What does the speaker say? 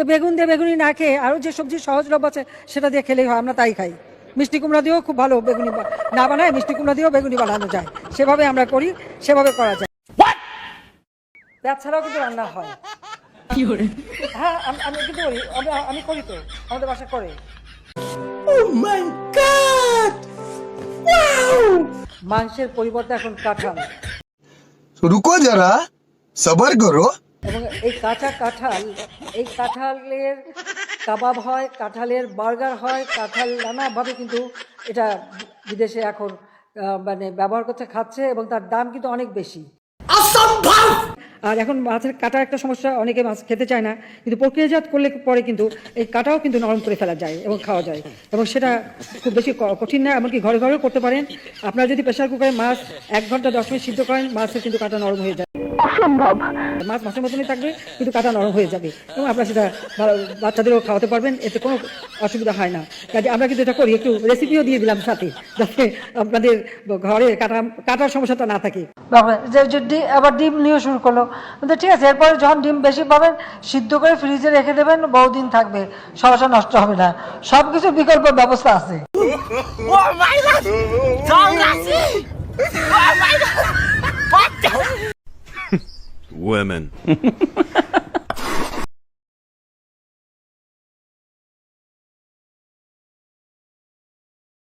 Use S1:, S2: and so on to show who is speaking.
S1: তো বেগুন দিয়ে বেগুনি না খেয়ে আরও যে সবজি সহজলভ্য আছে সেটা দিয়ে খেলেই হয়, আমরা তাই খাই। মিষ্টি কুমড়া দিয়েও খুব ভালো বেগুনি না বানায় মিষ্টি কুমড়া দিয়েও বেগুনি বানানো যায়, সেভাবে আমরা করি, সেভাবে করা যায়। পেঁয়াজ ছাড়াও কিন্তু রান্না হয়। হ্যাঁ আমি কিন্তু করি, আমি করি তো, আমাদের বাসা করে। মাংসের পরিবর্তে এখন কাঁঠাল।
S2: रुको जरा सबर करो।
S1: এবং এই কাঁচা কাঁঠাল, এই কাঁঠালের কাবাব হয়, কাঁঠালের বার্গার হয়, কাঁঠাল নানাভাবে কিন্তু এটা বিদেশে এখন মানে ব্যবহার করতে খাচ্ছে, এবং তার দাম কিন্তু অনেক বেশি। আর এখন মাছের কাটা একটা সমস্যা, অনেকে মাছ খেতে চায় না, কিন্তু প্রক্রিয়াজাত করলে পরে কিন্তু এই কাটাও কিন্তু নরম করে ফেলা যায় এবং খাওয়া যায়, এবং সেটা খুব বেশি কঠিন না, এমনকি ঘরে ঘরেও করতে পারেন। আপনারা যদি প্রেসার কুকারে মাছ 1 ঘন্টা 10 মিনিট সিদ্ধ করেন, মাছের কিন্তু কাটা নরম হয়ে যায়। অসম্ভব, মাছ মাছের মতনই থাকবে কিন্তু কাটা নরম হয়ে যাবে, এবং আপনারা সেটা বাচ্চাদেরও খাওয়াতে পারবেন, এতে কোনো অসুবিধা হয় না। কাজে আমরা কিন্তু এটা করি, একটু রেসিপিও দিয়ে দিলাম সাথে, যাতে আপনাদের ঘরে কাটার সমস্যাটা না থাকে। আবার ডিম নিয়ে শুরু করলো, ঠিক আছে, এরপরে যখন ডিম বেশি পাবেন সিদ্ধ করে ফ্রিজে রেখে দেবেন, বহুদিন থাকবে, সমস্যা নষ্ট হবে না, সবকিছু বিকল্প ব্যবস্থা আছে।
S3: Women.